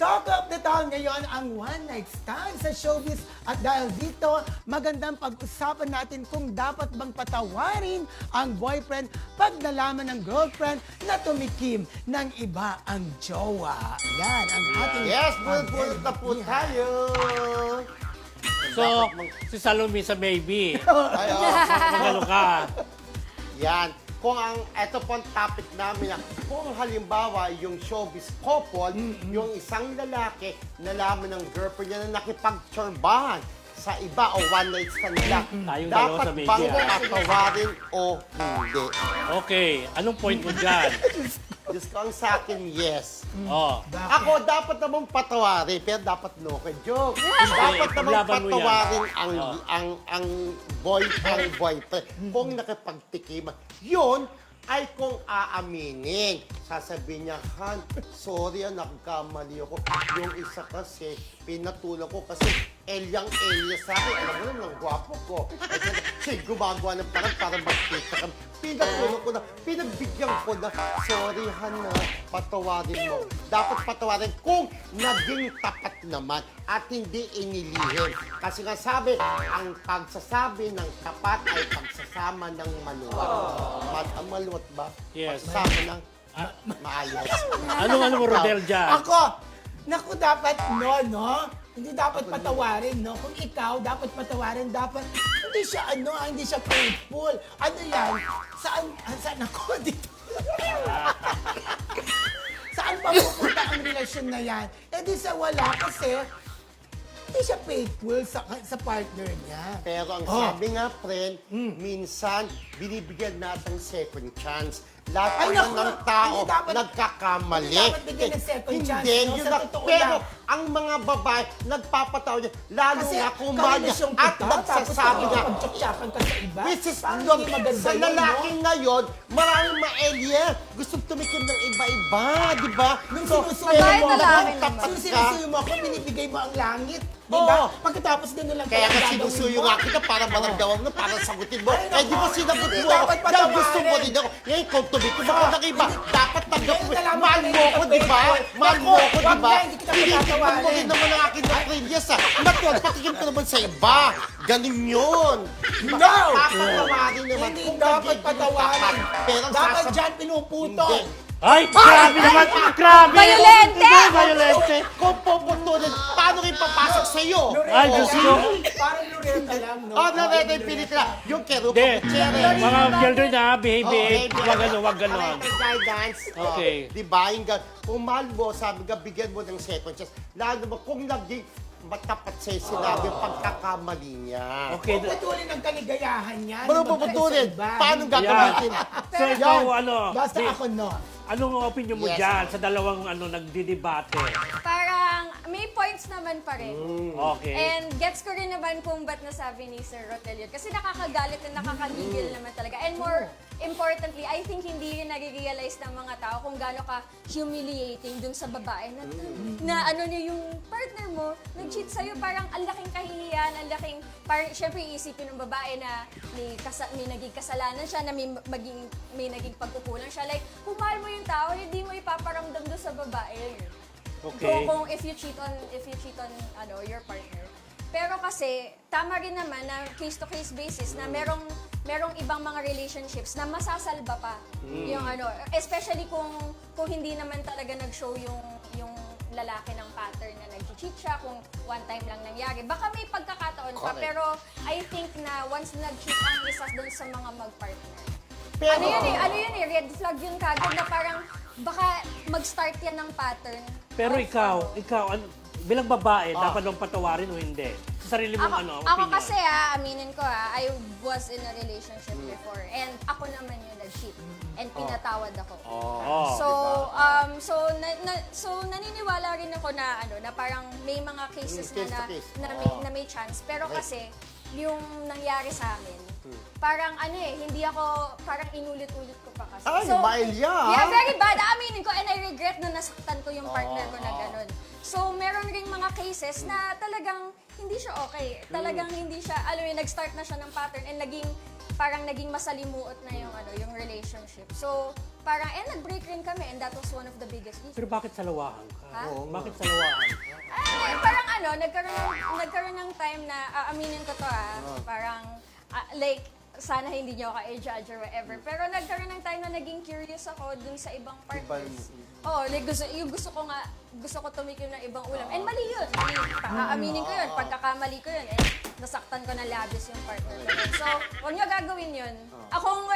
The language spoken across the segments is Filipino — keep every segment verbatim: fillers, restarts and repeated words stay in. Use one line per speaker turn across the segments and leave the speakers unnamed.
Talk of the town ngayon ang one night stand sa showbiz at dahil dito, magandang pag-usapan natin kung dapat bang patawarin ang boyfriend pag nalaman ng girlfriend na tumikim ng iba ang jowa. Yan ang ating...
Yes, bulot-bulot na po tayo.
So, si Salome sa maybe.
Ay, oh.
Magano ka.
Yan. Kung ang, eto po ang topic namin na kung halimbawa yung showbiz couple, mm-hmm. yung isang lalaki nalaman ng girlfriend niya na nakipagtsorbahan sa iba o one night stand nila,
Tayong dalawa
dapat
sa media.
bang patawarin o hindi?
Okay, anong point mo dyan?
Diyos ko ang sa akin, yes.
Oh.
Ako, dapat namang patawarin, pero dapat no ka joke. Dapat namang
paglaban mo yan.
patawarin ang,
Oh.
ang, ang boy, ang boyfriend. Kung nakipagtikiman, yun ay kung aaminin. Sasabihin niya, Han, sorry, ah, nagkamali ako. Yung isa kasi, pinatulong ko kasi Elyang Elya sa akin. Alam mo naman, ang gwapo ko. Kasi siya gumagawa ng parang para magkita kami. Pinatulong ko na, pinagbigyan ko na, sorry, Han, ah, patawarin mo. Dapat patawarin kung naging tapat naman at hindi inilihim. Kasi nga sabi, ang pagsasabi ng tapat ay pagsasama ng maluwat. Ma- ang maluwat ba?
Yes.
Pagsasama ng maayos.
Anong ano mo, Rodel, dyan?
Ako, naku, dapat no, no? Hindi dapat patawarin, no? Kung ikaw, dapat patawarin, dapat hindi siya, ano, ah, hindi siya faithful. Ano yan? Saan, ah, saan ako dito? Saan pa pupunta ang relasyon na yan? Eh di sa wala kasi hindi siya faithful sa, sa partner niya.
Pero ang
Oh.
sabi nga, friend, minsan binibigyan natin second chance. Lahat
Ay,
naman
naku,
ng tao
hindi dapat-
nagkakamali.
hindi dapat bigyan ng second
Hindi,
chance, no?
yun
Sa
lang.
totoo
Pero
lang.
ang mga babae, nagpapataw niya, lalo
Kasi
nga kung mahal niya,
karelasyon
at
kita,
nagsasabi
tapos
niya,
pagtsaktsakan ka sa iba.
this is
Parang
love.
hindi maganda
Sa
yun,
lalaki
no?
ngayon, maraming ma-alien. Gusto tumikim ng iba-iba, di ba?
Nung
So,
sinusuyo
pero
mo
kung
ako,
tapat
nung
ka,
sinusuyo mo ako, binibigay mo ang langit. Di
Oo.
ba? Pagkatapos gano'n lang
Kaya nga
gagawin
sinusuyo
mo.
nga kita para maramdaman mo, para sagutin mo.
Ay,
Eh, di ba
naku,
sinagot
hindi
mo ako?
dapat
Kaya gusto mo
patawarin.
rin ako. Ngayon, kung tumikim ako ng iba, dapat tanggap mo.
Ngayon, nalaman
Mahal
ko na
mo
hindi
ako,
ka
di ba?
faithful.
Mahal mo
Naku,
ako, di
wag
ba?
na, hindi kita
Tinitignan mo
patatawarin.
rin naman ang aking previous, ah. Natural, patikim ko naman sa iba. Ganun yun. Di ba?
No!
Papatawarin naman.
Hindi
kung
dapat
nagiging
patawarin.
tapat. Pero
Dapat
sasab-
dyan pinuputol.
Hindi.
Ay, grabe naman! Grabe!
Violente!
Hindi, violente!
Kung puputulin, paano rin papasok sa'yo?
Ay, Diyos ko.
Parang Loretta lang, no?
Oh, nareta yung pelikula. Yung Kerupa
Hindi.
Gutierrez.
Mga children na, behave,
Oh,
behave.
hey,
Wag ano, wag ganon.
Parental guidance.
Okay.
Oh, di ba? Yung gan- Kung mahal mo, sabi ka, bigyan mo ng second chance. Lalo mo, kung naging matapat sa'yo sinabi yung pagkakamali niya.
Okay.
Puputulin ang kaligayahan niya.
Paano
Di ba?
puputulin?
Sa iba.
Paano gagamitin?
So, ikaw, ano,
Basta
di-
ako, no.
anong opinion mo
Yes.
dyan sa dalawang ano nagdidebate?
Parang may points naman pa rin.
Okay.
And gets ko rin naman kung ba't nasabi ni Sir Rotel yun. Kasi nakakagalit at nakakagigil naman talaga. And more importantly, I think hindi rin nare-realize ng mga tao kung gaano ka humiliating dun sa babae na, na ano niya yung partner mo, nag-cheat sa'yo, parang ang laking kahihiyan, ang laking, parang syempre iisipin ng babae na may, kasa, may naging kasalanan siya, na may, maging, may naging pagkukulang siya. Like, kung mahal mo yung tao, hindi mo ipaparamdam doon sa babae.
Okay.
Kung, kung if you cheat on if you cheat on ano your partner. Pero kasi tama rin naman na case to case basis na merong merong ibang mga relationships na masasalba pa yung ano, especially kung kung hindi naman talaga nag-show yung yung lalaki ng pattern na nag-cheat siya, kung one time lang nangyari. Baka may pagkakataon pa,
Correct.
pero I think na once nag-cheat ang isa doon sa mga mag-partner,
Pero,
ano yun eh, ano yun eh, red flag yun kagad na parang baka mag-start yan ng pattern.
Pero
Of,
ikaw,
ano.
ikaw, ano, bilang babae,
Ah.
dapat bang patawarin o hindi? Sa sarili mong
Ako,
ano,
ako
opinion.
kasi ah, aminin ko ah, I was in a relationship before and ako naman yung nag-cheat and pinatawad ako.
Oh.
So, um, so, na, na, so naniniwala rin ako na ano, na parang may mga cases
Mm, case
na,
to case.
na, na, may,
Oo.
na may chance. Pero
Right.
kasi yung nangyari sa amin, parang ano eh, hindi ako, parang inulit-ulit ko pa kasi.
Ay, Maelya, ah.
Yeah, very bad. Aminin ko and I regret na nasaktan ko yung partner ko na
Oo.
ganun. So, meron ring mga cases na talagang hindi siya okay. Talagang hindi siya, alam mo yun, nag-start na siya ng pattern and naging parang naging masalimuot na yung ano, yung relationship. So, parang eh nag-break rin kami and that was one of the biggest reasons.
Pero bakit salawahan ka?
Ha?
Oo nga.
Bakit salawahan ka?
Ay, parang ano, nagkaroon ng, nagkaroon ng time na, ah, aminin ko to ah, parang, ah, like, sana hindi niyo ako i-judge or whatever. Pero nagkaroon ng time na naging curious ako dun sa ibang partners. Oo, like gusto, yung gusto ko nga, gusto ko tumikim ng ibang ulam. And mali yun. Mali. Aaminin ko yun. Pagkakamali ko yun. Eh, nasaktan ko na labis yung partner ko. yun. So, huwag niyo gagawin yun. Akong,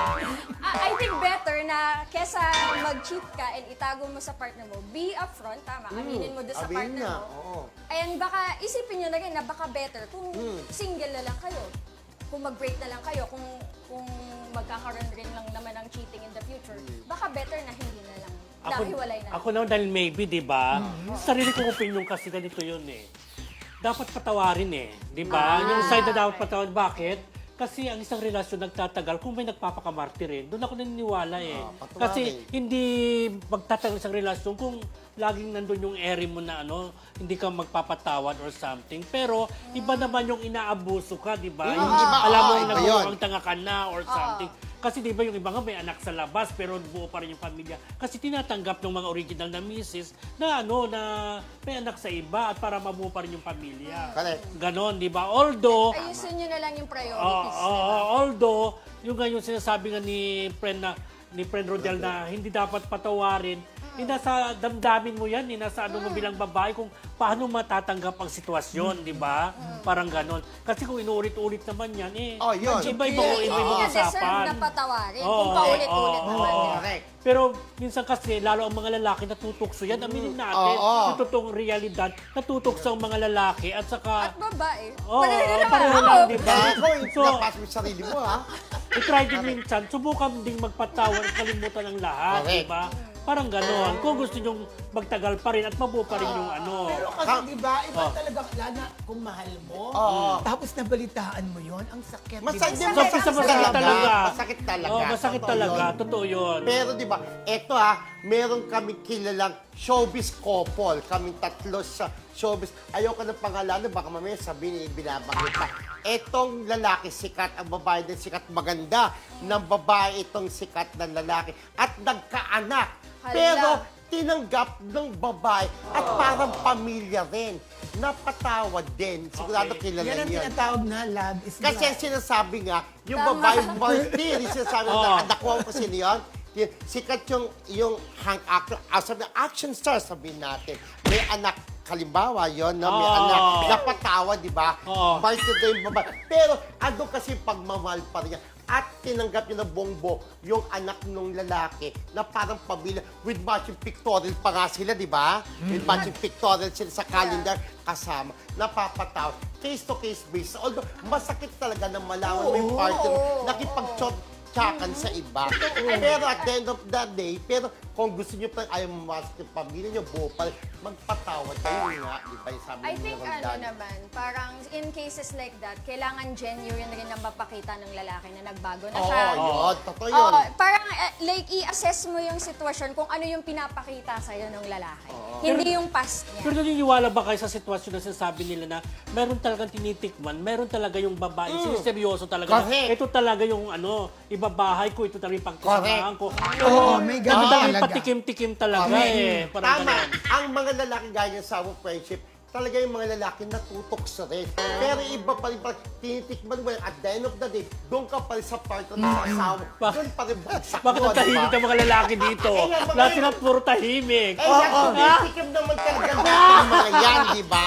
I think better na kesa mag-cheat ka and itago mo sa partner mo, be upfront, tama. Aminin mo doon sa
Aminin
partner
na,
mo.
oo.
And baka isipin nyo na rin na baka better kung single na lang kayo. Kung mag-break na lang kayo, kung kung magkakaroon rin lang naman ng cheating in the future, baka better na hindi na lang. Nahiwalay na.
Ako naman dahil maybe, di ba? Sarili kong opinion kasi ganito yun eh. Dapat patawarin eh. Di ba? Yung side na dapat patawarin. Bakit? Kasi ang isang relasyon nagtatagal kung may nagpapakamartir rin. Doon ako naniniwala eh.
patawarin.
Kasi hindi magtatagal isang relasyon kung laging nandun yung ere mo na ano, hindi ka magpapatawad or something. Pero iba naman yung inaabuso ka, di ba? Yung
iba,
alam mo
oo,
yung
iba
nagmukhang
yun.
tanga ka na or something. Kasi di ba yung iba nga may anak sa labas pero buo pa rin yung pamilya. Kasi tinatanggap ng mga original na misis na ano, na may anak sa iba at para mabuo pa rin yung pamilya.
Correct.
Ganon, di ba? Although,
Ayusin nyo na lang yung
Oo,
priorities.
oo,
diba?
although, yung nga yung sinasabi nga ni friend na ni friend Rodel na hindi dapat patawarin, eh, nasa damdamin mo yan, eh, nasa ano mo bilang babae kung paano matatanggap ang sitwasyon, di ba? Parang ganon. Kasi kung inuulit-ulit naman yan, eh,
Oh, yun.
iba-iba
Hindi
iba
niya deserve
usapan.
na patawarin
Oo,
kung paulit-ulit
oo,
naman.
oo.
diba?
Correct.
Pero minsan kasi, lalo ang mga lalaki natutukso yan. Aminin natin,
Oo.
yung totoong realidad, natutukso ang mga lalaki at saka,
At babae.
Oo,
Pareho naman.
pareho
Ako,
lang, di ba?
Kaya ikaw,
So,
napas mo yung sarili mo, ha?
i-try din minsan, subukan ding magpatawad at kalimutan ng lahat,
Correct.
di ba? Parang gano'n. Kung gusto nyong magtagal pa rin at mabuo pa rin yung ano.
Pero kasi di ba, iba
Oh.
talaga, lalo na kung mahal mo,
Oo.
tapos nabalitaan mo yon ang sakit. di ba?
Masakit,
So, sa masakit talaga.
Masakit talaga.
Oh, masakit
Totoo
talaga.
yun.
Totoo yun.
Pero di ba, eto ha, meron kami kilalang showbiz couple. Kaming tatlo sa showbiz. Ayoko ng pangalanan, baka mamaya sabihin, binabanggit pa. Etong lalaki sikat, ang babae din sikat, maganda ng babae itong sikat na lalaki. At nagkaanak.
Hala.
Pero tinanggap ng babae at parang pamilya rin. Napatawad din. Sigurado
Okay.
kilala
Yan ang
niyo.
tinatawag na love is
Kasi
blind.
ang sinasabi nga, yung
Tama.
babae martir, yung sinasabi
Oo.
na, nakuha ko kasi niyon, yun, sikat yung, yung hang actor, ah, sabi, action star, sabihin natin. May anak, kalimbawa yon na may
Oo.
anak, napatawa, di ba?
Oo.
Martir na yung babae. Pero, ano kasi pagmamahal pa rin yan. At tinanggap niya ng bongbo yung anak ng lalaki na parang pamilya with matching pictorial pa nga sila, di ba? With matching pictorial sila sa calendar kasama. Napapatawa. Case-to-case basis. Although, masakit talaga na malaman mo yung partner
Oo.
nakipag-tsakan sa iba. Pero at the end of the day, pero kung gusto niyo pa ayaw mamasok yung pamilya niyo, buo pa rin, magpatawad kayo nga, di ba? Yung sabi
I
ni
think
Roldan.
ano naman, parang in cases like that, kailangan genuine rin na mapakita ng lalaki na nagbago na
Oo,
siya.
yun. Totoo yun.
Oo, parang eh, like i-assess mo yung sitwasyon kung ano yung pinapakita sa'yo ng lalaki. Hindi yung past niya.
Pero naniniwala ba kayo sa sitwasyon na sinasabi nila na meron talagang tinitikman, meron talaga yung babae, siniseryoso talaga. na,
Correct.
ito talaga yung ano, ibabahay ko, ito talaga yung pagkasamahan ko.
Oo, may ganun
Ano talaga yung
talaga.
patikim-tikim talaga
Correct.
eh. Parang
Tama.
ganun.
Ang mga lalaki gaya sa our friendship, talaga yung mga lalaki natutok sa rin. Pero iba pa rin pa, tinitikman mo yan. At the end of the day, doon ka pa rin sa partner na sa asawa.
Bak-
Doon pa rin bagsak
Bakit
mo,
ang tahimik
diba?
ang mga lalaki dito?
Eh, nga, mga-
Lahat sila puro tahimik.
Eh, yan, tinitikim naman talaga natin yung mga yan, di ba?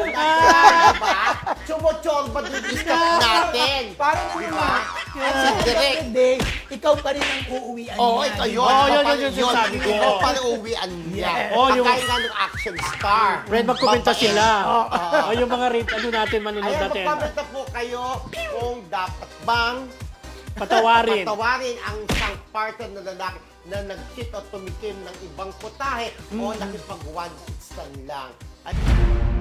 Di ba? Chumotsorba din yung iskat natin.
Parang ano
Di
ba?
ba?
At
Si
the end of
Direk.
the day, ikaw pa rin ang uuwian
Oo,
niya,
ito
di
yun.
ba?
Oo,
Ikaw
yun,
pa
yun,
rin
yun, sinasabi ko.
Ikaw pa rin uwian niya.
Oo, yung-
Pagkain nga ng action star.
Friend, magkomenta
Babae.
sila. O yung mga rate, ano natin, manunod
Ayan,
natin.
magkomenta po kayo kung dapat bang
Patawarin.
patawarin ang isang partner na lalaki na nag-cheat o tumikim ng ibang putahe o nakipag one-sixtan lang. At